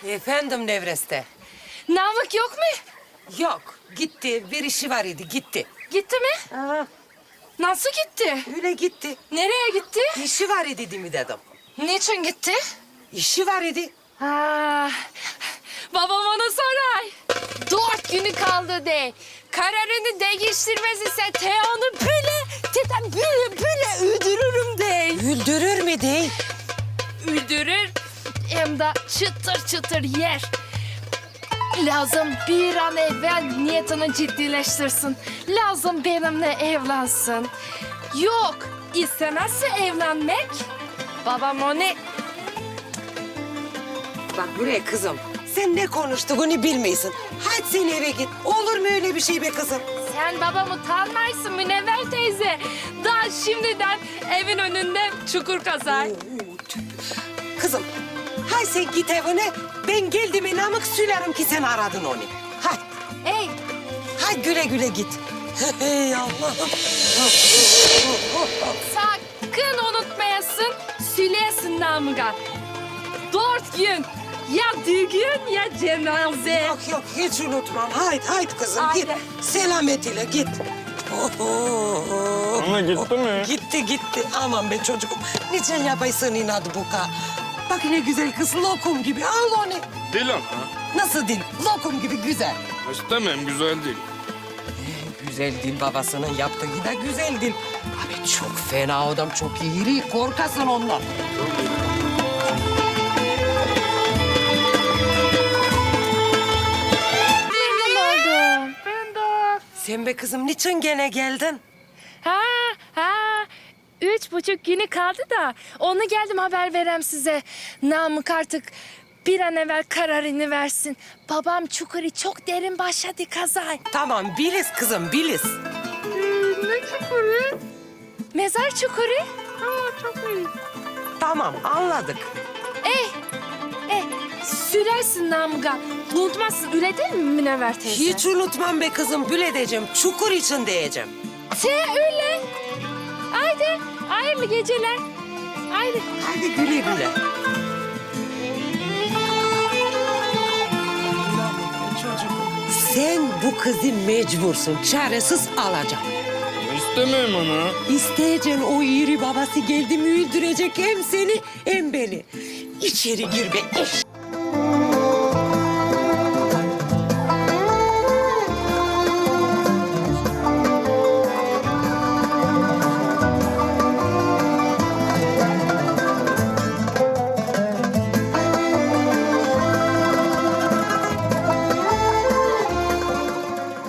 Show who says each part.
Speaker 1: Efendim Nevreste.
Speaker 2: Namık yok mu?
Speaker 1: Yok, gitti. Bir işi var idi, gitti.
Speaker 2: Gitti mi?
Speaker 1: Aha,
Speaker 2: Nasıl gitti?
Speaker 1: öyle gitti.
Speaker 2: Nereye gitti?
Speaker 1: İşi var idi değil mi dedim.
Speaker 2: Niçin gitti?
Speaker 1: İşi var idi.
Speaker 2: Ha, babam ona sorar. 4 günü kaldı de. Kararını değiştirmez ise Teo'nu böyle öldürürüm de.
Speaker 1: Güldürür mü değil?
Speaker 2: Öldürür hem de çıtır çıtır yer. Lazım bir an evvel niyetini ciddileştirsin. Lazım benimle evlensin. Yok, istemezse evlenmek. Babam onu...
Speaker 1: Bak buraya kızım. Sen ne konuştuğunu bilmiyorsun. Hadi sen eve git. Olur mu öyle bir şey be kızım?
Speaker 2: Sen babamı tanımaysın Münevver teyze. Daha şimdiden evin önünde çukur kazar.
Speaker 1: Kızım, hay sen git evine. Ben geldim Namık söylerim ki sen aradın onu. Hay,
Speaker 2: Ey,
Speaker 1: hay güle güle git. Hey Allah'ım.
Speaker 2: sakın unutmayasın, söyleyesin Namık'a. 4 gün, ya düğün ya cenaze.
Speaker 1: Yok yok hiç unutmam. Haydi kızım git.
Speaker 2: Haydi.
Speaker 1: Selamet ile git.
Speaker 3: Ana gitti mi?
Speaker 1: Gitti. Aman be çocuğum. Niçin yapaysın inadı bu ka? Bak ne güzel kız lokum gibi. Al onu.
Speaker 3: Değil ama.
Speaker 1: Nasıl değil? Lokum gibi güzel.
Speaker 3: İstemem, güzel değil.
Speaker 1: Güzel değil babasının yaptığı da güzel değil. Abi çok fena adam, çok iri. Korkasın ondan.
Speaker 2: Memnun oldum. Ben de.
Speaker 1: Sen be kızım niçin gene geldin?
Speaker 2: Ha. 3,5 günü kaldı da onu geldim haber verem size. Namık artık bir an evvel kararını versin. Babam çukuru çok derin başladı kazay.
Speaker 1: Tamam biliz kızım biliz.
Speaker 2: Ne çukuru? Mezar çukuru. Ha, çok iyi.
Speaker 1: Tamam anladık.
Speaker 2: Sürersin Namık'a. Unutmazsın öyle değil mi Münevver teyze?
Speaker 1: Hiç unutmam be kızım. Bül edeceğim. Çukur için diyeceğim.
Speaker 2: Öyle. Haydi hayırlı geceler. Haydi.
Speaker 1: Hadi güle güle. Sen bu kızı mecbursun. Çaresiz alacaksın.
Speaker 3: İstemem ana.
Speaker 1: İsteyeceksin o iri babası geldi mi öldürecek hem seni hem beni. İçeri gir be eş.